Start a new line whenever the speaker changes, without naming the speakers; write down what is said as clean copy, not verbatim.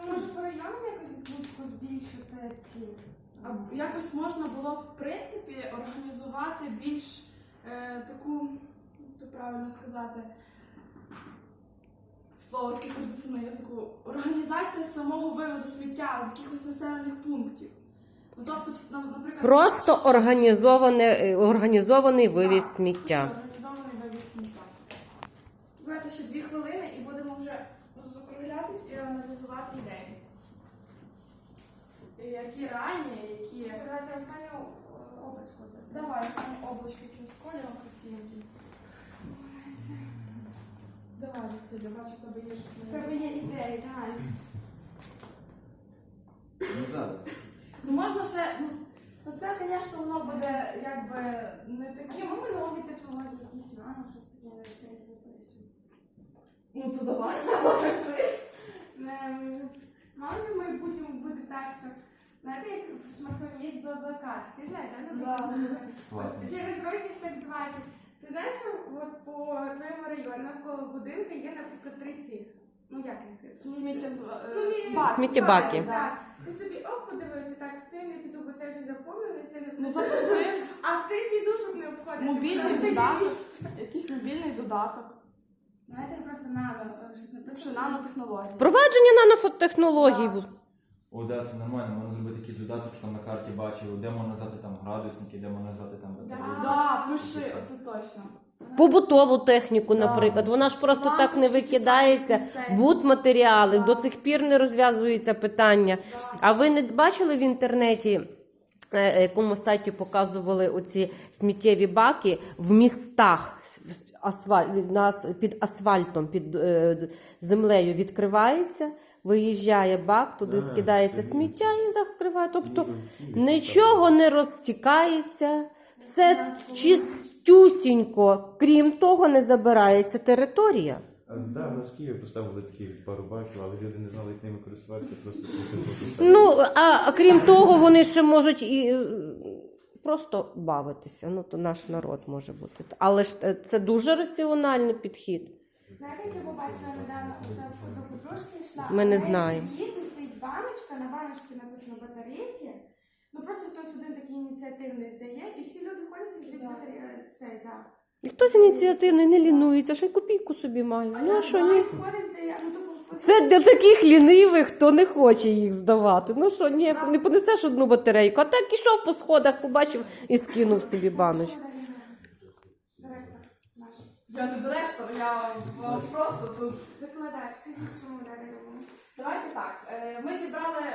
може по районам якось Луцьку збільшити ці?
А якось можна було б, в принципі, організувати більш таку, як то правильно сказати, слово таке крутиться на язику, організація самого вивозу сміття з якихось населених пунктів. Ну, тобто, наприклад,
Просто організований вивіз сміття.
Організований вивіз сміття. Давайте ще 2 хвилини і будемо вже закруглятись і аналізувати ідеї. Які ранні, які...
Давайте останню облачку.
Давай, останні облачки якимсь кольором красивеньким. Давай, Василя, бачу, в тебе є щось
В
на
тебе є ідеї, давай.
Ну зараз.
Ну можна ще, ну це, звісно, воно буде якби не таке.
Чому ми нові технології, якісь нано, щось таке це не пишемо?
Ну то давай, запиши.
Мало ли в майбутньому буде так, що, знаєте, як в смартфоні є BlaBlaCar, всі знаєте,
Ладно.
Через років так 20. Ти знаєш, що от по твоєму району навколо будинку є, наприклад, 3 цих, ну як їх?
Сміттєбаки.
Так. Ти собі подивився, так, в цей не піду, бо це вже заповнили, це не
Ну
піду.
запиши.
А в цей піду, щоб не обходити.
Мобільний
Вже є
додаток.
місце.
Якийсь мобільний додаток.
Знаєте, просто нано, щось
Що
написано.
нанотехнології.
Впровадження нанофотехнологій.
О, да, це нормально, можна зробити якийсь додаток, що там на карті бачив, де можна назвати там градусники, де можна назвати там батареї.
Да, пиши, оце точно.
Побутову техніку,
Да.
наприклад. Вона ж просто так не
Лампочки,
викидається.
кисельні.
Будматеріали,
Да.
до цих пір не розв'язується питання. А ви не бачили в інтернеті, якому сайті показували оці сміттєві баки в містах під асфальтом, під землею відкривається, виїжджає бак, туди скидається сміття і закриває. Тобто нічого не розтікається, все чистюсінько, крім того, не забирається територія.
Так, у нас в Києві поставили такі пару баків, але люди не знали, як ними користуватися, просто
Ну, а крім того, вони ще можуть і просто бавитися. Ну, то наш народ може бути. Але ж це дуже раціональний підхід.
Знаєте, як я побачила недавно, оце до подружки йшла.
Ми не
в неї
знаємо.
в під'їзді стоїть баночка, на баночці написано батарейки. Ну просто хтось один такий ініціативний здає, і всі люди ходять і здають батарейки. Цей, так.
І хтось ініціативний не лінується, ще й копійку собі має. Ну, а що ні?
Ходить, здає, ну тобто...
Це для таких лінивих, хто не хоче їх здавати. Ну що, ні, не понесеш одну батарейку, а так ішов по сходах, побачив і скинув собі баночку.
Директор наш.
Я не директор, я просто тут.
Викладач, кажіть, чому далі робимо?
Давайте так. Ми зібрали